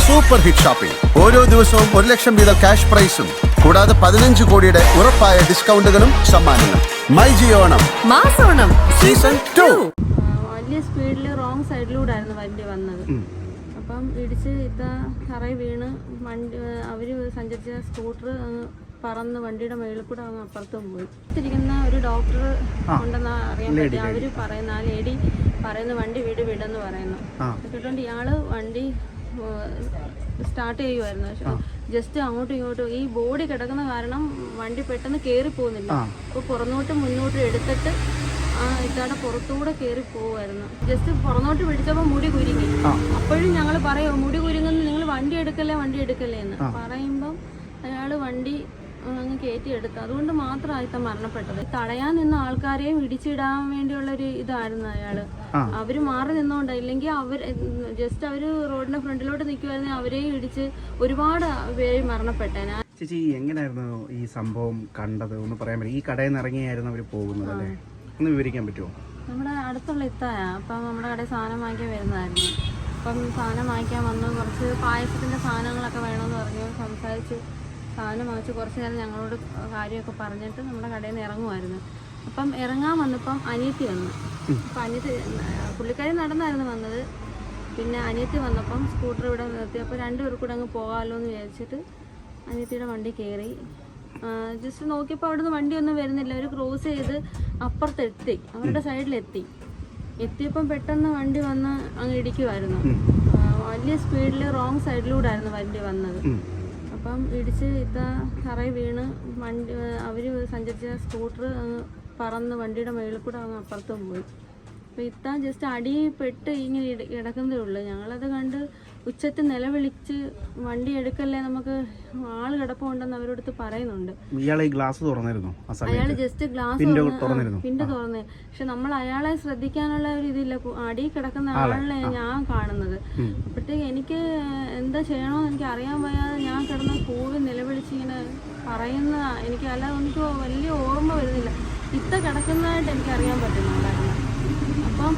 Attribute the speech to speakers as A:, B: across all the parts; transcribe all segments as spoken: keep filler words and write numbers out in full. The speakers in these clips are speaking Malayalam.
A: Super hit shopping. ഓരോ ദിവസവും ഒരു ലക്ഷം വീതം ക്യാഷ് പ്രൈസും കൂടാതെ പതിനഞ്ച് കോടിയുടെ ഉറപ്പായ ഡിസ്കൗണ്ടുകളും സമ്മാനങ്ങളും. മൈ ജിയോണം
B: മാസോണം
A: സീസൺ ടു.
C: വലിയ സ്പീഡിൽ റോങ് സൈഡിലൂടെ ആയിരുന്നു വണ്ടി വന്നത്. അപ്പം ഇടിച്ച് ഇതാ തറയിൽ വീണ് വണ്ടി അവർ സഞ്ചരിച്ച സ്കൂട്ടർ പറന്ന് വണ്ടിയുടെ മേളിൽ കൂടെ അങ്ങ് അപ്പുറത്തും പോയി. ഇരിക്കുന്ന ഒരു ഡോക്ടർ ഉണ്ടെന്ന് അറിയാൻ പറ്റി. അവർ പറയുന്ന ആ ലേഡി പറയുന്ന വണ്ടി വീട് വിടെന്ന് പറയുന്നു. കേട്ടോണ്ട് ഇയാള് വണ്ടി സ്റ്റാർട്ട് ചെയ്യുമായിരുന്നു. ജസ്റ്റ് അങ്ങോട്ടും ഇങ്ങോട്ടും ഈ ബോഡി കിടക്കുന്ന കാരണം വണ്ടി പെട്ടെന്ന് കയറി പോകുന്നില്ല. അപ്പോൾ പുറന്നോട്ടും മുന്നോട്ടും എടുത്തിട്ട് ആ ഇതാടെ പുറത്തൂടെ കയറി പോവായിരുന്നു. ജസ്റ്റ് പുറന്നോട്ട് പിടിച്ചപ്പോൾ മുടി കുരുങ്ങി. അപ്പോഴും ഞങ്ങൾ പറയോ മുടി കുരുങ്ങുന്ന നിങ്ങൾ വണ്ടി എടുക്കല്ലേ വണ്ടി എടുക്കല്ലേ എന്ന് പറയുമ്പം അയാൾ വണ്ടി അങ്ങ് കയറ്റിയെടുത്തു. അതുകൊണ്ട് മാത്രമായിത്ത മരണപ്പെട്ടത്. തടയാൻ നിന്ന ആൾക്കാരെയും ഇടിച്ചിടാൻ വേണ്ടിയുള്ള ഒരു ഇതായിരുന്നു അയാള്. അവര് മാറി നിന്നോണ്ട, ഇല്ലെങ്കിൽ അവർ ജസ്റ്റ് അവര് റോഡിന്റെ ഫ്രണ്ടിലോട്ട് നിൽക്കുവായിരുന്നെങ്കിൽ അവരെയും ഇടിച്ച് ഒരുപാട് പേര് മരണപ്പെട്ടേനെ.
D: ചേച്ചി എങ്ങനെയായിരുന്നു ഈ സംഭവം കണ്ടത് ഒന്ന് പറയാൻ പറ്റും? ഈ കടയിൽ നിന്ന് ഇറങ്ങിയായിരുന്നു അവര് പോകുന്നത് അല്ലേ? ഒന്ന് വിവരിക്കാൻ പറ്റുമോ?
C: നമ്മുടെ അടുത്തുള്ള ഇത്തായ അപ്പം നമ്മുടെ കടയിൽ സാധനം വാങ്ങിക്കാൻ വരുന്നതായിരുന്നു. അപ്പം സാധനം വാങ്ങിക്കാൻ വന്നു. കുറച്ച് പായസത്തിന്റെ സാധനങ്ങളൊക്കെ വേണമെന്ന് പറഞ്ഞു. സംസാരിച്ചു സാധനം വാങ്ങിച്ച് കുറച്ച് നേരം ഞങ്ങളോട് കാര്യമൊക്കെ പറഞ്ഞിട്ട് നമ്മുടെ കടയിൽ നിന്ന് ഇറങ്ങുമായിരുന്നു. അപ്പം ഇറങ്ങാൻ വന്നപ്പം അനിയത്തി വന്നു. അപ്പം അനിയത്തി പുള്ളിക്കാരി നടന്നായിരുന്നു വന്നത്. പിന്നെ അനിയത്തി വന്നപ്പം സ്കൂട്ടർ ഇവിടെ നിർത്തി. അപ്പോൾ രണ്ടുപേർ കൂടെ അങ്ങ് പോകാമല്ലോ എന്ന് വിചാരിച്ചിട്ട് അനിയത്തിയുടെ വണ്ടി കയറി. ജസ്റ്റ് നോക്കിയപ്പോൾ അവിടുന്ന് വണ്ടിയൊന്നും വരുന്നില്ല. അവർ ക്രോസ് ചെയ്ത് അപ്പുറത്തെത്തി, അവരുടെ സൈഡിലെത്തി. എത്തിയപ്പം പെട്ടെന്ന് വണ്ടി വന്ന് അങ്ങ് ഇടിക്കുമായിരുന്നു. വലിയ സ്പീഡിൽ റോങ് സൈഡിലൂടെ ആയിരുന്നു വണ്ടി വന്നത്. അപ്പം ഇടിച്ച് ഇതാ തറയിൽ വീണ് വണ്ടി അവർ സഞ്ചരിച്ച സ്കൂട്ടർ അങ്ങ് പറന്ന് വണ്ടിയുടെ മേളിൽ കൂടെ അങ്ങ് അപ്പുറത്തും പോയി. അപ്പോൾ ഇത്താ ജസ്റ്റ് അടി പെട്ട് ഇങ്ങനെ കിടക്കുന്നതേ ഉള്ളൂ. ഞങ്ങളത് കണ്ട് ഉച്ചത്തിൽ നിലവിളിച്ച് വണ്ടി എടുക്കല്ലേ, നമുക്ക് ആള് കിടപ്പുണ്ടെന്ന് അവരോടത്ത് പറയുന്നുണ്ട്. അയാൾ ജസ്റ്റ് ഗ്ലാസ് പിണ്ട് തുറന്നേ. പക്ഷെ നമ്മൾ അയാളെ ശ്രദ്ധിക്കാനുള്ള ഒരു ഇതില്ല. അടി കിടക്കുന്ന ആളിനെ ഞാൻ കാണുന്നത്. അപ്പോഴത്തേക്ക് എനിക്ക് എന്താ ചെയ്യണമെന്ന് എനിക്ക് അറിയാൻ വയ്യാതെ ഞാൻ കിടന്ന് കൂവി നിലവിളിച്ച് ഇങ്ങനെ പറയുന്ന എനിക്ക് അല്ലാതെ എനിക്ക് വലിയ ഓർമ്മ വരുന്നില്ല. ഇത്ത കിടക്കുന്നതായിട്ട് എനിക്ക് അറിയാൻ പറ്റുന്നുണ്ടായിരുന്നു. അപ്പം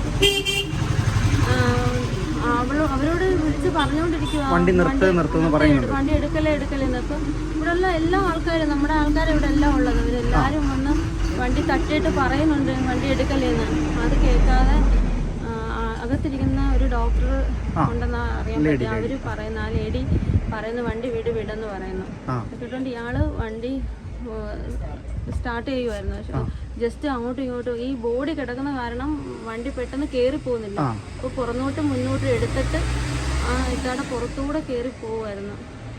C: അവളോ അവരോട് വിളിച്ച് പറഞ്ഞുകൊണ്ടിരിക്കുക വണ്ടി വണ്ടി എടുക്കലേ എടുക്കലേന്ന്. അപ്പം ഇവിടെയുള്ള എല്ലാ ആൾക്കാരും നമ്മുടെ ആൾക്കാരും ഇവിടെ എല്ലാം ഉള്ളത്. ഇവരെല്ലാവരും വന്ന് വണ്ടി തട്ടിയിട്ട് പറയുന്നുണ്ട് വണ്ടി എടുക്കലേന്ന്. അത് കേൾക്കാതെ അകത്തിരിക്കുന്ന ഒരു ഡോക്ടർ ഉണ്ടെന്ന് അറിയാൻ പറ്റി. അവര് പറയുന്ന ആ ലേഡി പറയുന്ന വണ്ടി വീട് വിടെന്ന് പറയുന്നു. കേട്ടോണ്ട് ഇയാള് വണ്ടി സ്റ്റാർട്ട് ചെയ്യുമായിരുന്നു. പക്ഷെ ജസ്റ്റ് അങ്ങോട്ടും ഇങ്ങോട്ടും ഈ ബോഡി കിടക്കുന്ന കാരണം വണ്ടി പെട്ടെന്ന് കയറി പോകുന്നില്ല. അപ്പോൾ പുറന്നോട്ടും മുന്നോട്ടും എടുത്തിട്ട് ആ ഇതാടെ പുറത്തൂടെ കയറി പോവായിരുന്നു.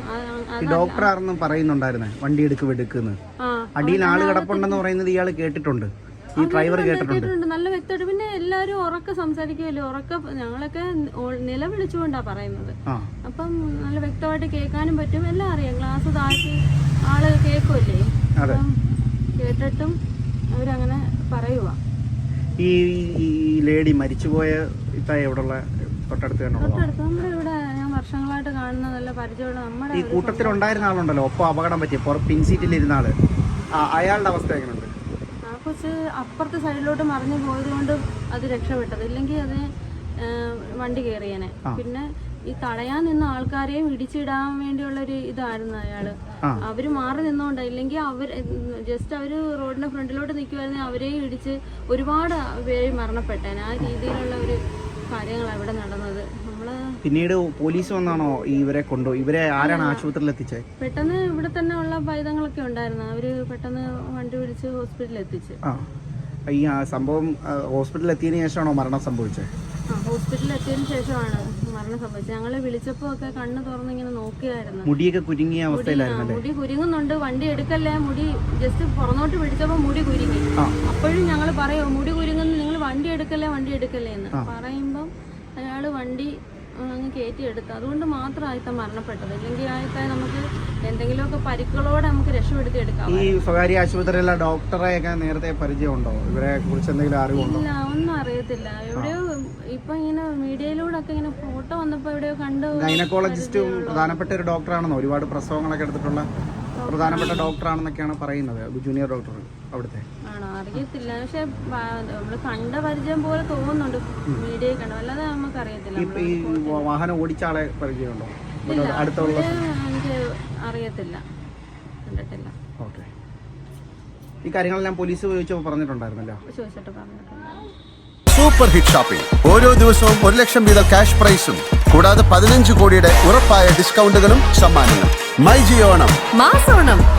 D: ഡോക്ടർ ആണെന്ന് പറയുന്നുണ്ടായിരുന്നേ വണ്ടി എടുക്ക് വെടുക്കുന്നു. അടിയിൽ ആള് കിടപ്പുണ്ടെന്ന് പറയുന്നത് ഇയാൾ കേട്ടിട്ടുണ്ട്, ഈ ഡ്രൈവർ കേട്ടിട്ടുണ്ട്
C: നല്ല വ്യക്തമായിട്ട്. പിന്നെ എല്ലാവരും ഉറക്കെ സംസാരിക്കുമല്ലോ, ഉറക്കെ ഞങ്ങളൊക്കെ നിലവിളിച്ചുകൊണ്ടാ പറയുന്നത്. അപ്പം നല്ല വ്യക്തമായിട്ട് കേൾക്കാനും പറ്റും, എല്ലാം അറിയാം. ഗ്ലാസ് താഴ്ത്തി ആള് കേൾക്കുമല്ലേ. അപ്പം കേട്ടിട്ടും അവരങ്ങനെ പറയുക.
D: ഈ ലേഡി മരിച്ചുപോയ എവിടെയുള്ള തൊട്ടടുത്ത്
C: തൊട്ടടുത്ത് നമ്മുടെ ഇവിടെ ഞാൻ വർഷങ്ങളായിട്ട് കാണുന്ന നല്ല പരിചയമുള്ള നമ്മുടെ
D: ഈ കൂട്ടത്തിലുണ്ടായിരുന്ന ആളുണ്ടല്ലോ, ഒപ്പം അപകടം പറ്റിയ പിൻസീറ്റിലിരുന്ന ആള്, അയാളുടെ അവസ്ഥ എങ്ങനെയുണ്ട്?
C: ആ കൊച്ച് അപ്പുറത്തെ സൈഡിലോട്ട് മറിഞ്ഞു പോയത് കൊണ്ട് അത് രക്ഷപ്പെട്ടത്, ഇല്ലെങ്കിൽ അത് വണ്ടി കയറിയേനെ. പിന്നെ ഈ തടയാൻ നിന്ന ആൾക്കാരെയും ഇടിച്ചിടാൻ വേണ്ടിയുള്ള ഒരു ഇതായിരുന്നു അയാള്. അവര് മാറി നിന്നോണ്ട, ഇല്ലെങ്കിൽ അവർ ജസ്റ്റ് അവര് റോഡിന്റെ ഫ്രണ്ടിലോട്ട് നിൽക്കുവായിരുന്നെങ്കിൽ അവരെയും ഇടിച്ച് ഒരുപാട് പേര് മരണപ്പെട്ടേനെ. ആ രീതിയിലുള്ള ഒരു കാര്യങ്ങളാണ് ഇവിടെ നടന്നത്. നമ്മള്
D: പിന്നീട് പോലീസ് വന്നാണോ ഇവരെ കൊണ്ടു ഇവരെ ആരാണ് ആശുപത്രിയിൽ എത്തിച്ചത്?
C: പെട്ടെന്ന് ഇവിടെ തന്നെ ഉള്ള പൈതങ്ങളൊക്കെ ഉണ്ടായിരുന്നു. അവര് പെട്ടെന്ന് വണ്ടി പിടിച്ച് ഹോസ്പിറ്റലിൽ എത്തിച്ച്.
D: ഈ സംഭവം ഹോസ്പിറ്റലിൽ എത്തിയതിനു ശേഷമാണോ മരണം സംഭവിച്ചത്?
C: ആ ഹോസ്പിറ്റലിൽ എത്തിയതിനു ശേഷമാണ് മരണം സംഭവിച്ചത്. ഞങ്ങളെ വിളിച്ചപ്പോ ഒക്കെ കണ്ണ് തുറന്ന് ഇങ്ങനെ നോക്കിയായിരുന്നു.
D: മുടിയൊക്കെ കുരുങ്ങിയ അവസ്ഥയിലായിരുന്നു.
C: മുടി കുരുങ്ങുന്നുണ്ട്, വണ്ടി എടുക്കല്ലേ, മുടി ജസ്റ്റ് പുറന്നോട്ട് പിടിച്ചപ്പോ മുടി കുരുങ്ങി. അപ്പോഴും ഞങ്ങൾ പറയോ മുടി കുരുങ്ങുന്ന നിങ്ങൾ വണ്ടി എടുക്കല്ലേ വണ്ടി എടുക്കല്ലേ എന്ന് പറയുമ്പം അയാള് വണ്ടി അങ്ങ് കയറ്റിയെടുത്തു. അതുകൊണ്ട് മാത്രമായിത്ത മരണപ്പെട്ടത്, ഇല്ലെങ്കിൽ ആയിത്ത നമുക്ക് എന്തെങ്കിലുമൊക്കെ പരിക്കുകളോടെ നമുക്ക് രക്ഷപ്പെടുത്തി എടുക്കാം.
D: ഈ സ്വകാര്യ ആശുപത്രിയിലെ ഡോക്ടറെയൊക്കെ നേരത്തെ പരിചയമുണ്ടോ? ഇവരെ കുറിച്ച് എന്തെങ്കിലും അറിവുണ്ടോ?
C: ഇല്ല, ഒന്നും അറിയത്തില്ല. എവിടെയോ ഇപ്പൊ ഇങ്ങനെ മീഡിയയിലൂടെ ഒക്കെ ഇങ്ങനെ ഫോട്ടോ വന്നപ്പോ എവിടെയോ കണ്ടു.
D: ഗൈനക്കോളജിസ്റ്റും പ്രധാനപ്പെട്ട ഒരു ഡോക്ടറാണെന്നോ, ഒരുപാട് പ്രസവങ്ങളൊക്കെ എടുത്തിട്ടുള്ള പ്രധാനപ്പെട്ട ഡോക്ടറാണെന്നൊക്കെയാണ് പറയുന്നത്, ജൂനിയർ ഡോക്ടർ. അവിടുത്തെ?
C: ആണോ അറിയത്തില്ല, പക്ഷെ നമ്മള് കണ്ട പരിചയം പോലെ തോന്നുന്നുണ്ട് മീഡിയയിൽ കണ്ടു, അല്ലാതെ നമുക്ക് അറിയത്തില്ല.
D: ഇപ്പൊ ഈ വാഹനം ഓടിച്ച ആളെ പരിചയമുണ്ടോ?
C: ഇല്ല,
D: അടുത്തുള്ള
C: എനിക്ക് അറിയത്തില്ല, കണ്ടിട്ടില്ല.
D: ഓക്കെ. ഈ കാര്യങ്ങളെല്ലാം പോലീസ് ചോദിച്ചപ്പോൾ പറഞ്ഞിട്ടുണ്ടായിരുന്നല്ലോ?
C: ചോദിച്ചിട്ട് പറഞ്ഞിട്ടില്ല.
A: Super hit shopping. ഓരോ ദിവസവും ഒരു ലക്ഷം വീതം ക്യാഷ് പ്രൈസും കൂടാതെ പതിനഞ്ച് കോടിയുടെ ഉറപ്പായ ഡിസ്കൗണ്ടുകളും സമ്മാനങ്ങളും. മൈ ജിയോണം
B: മാസോണം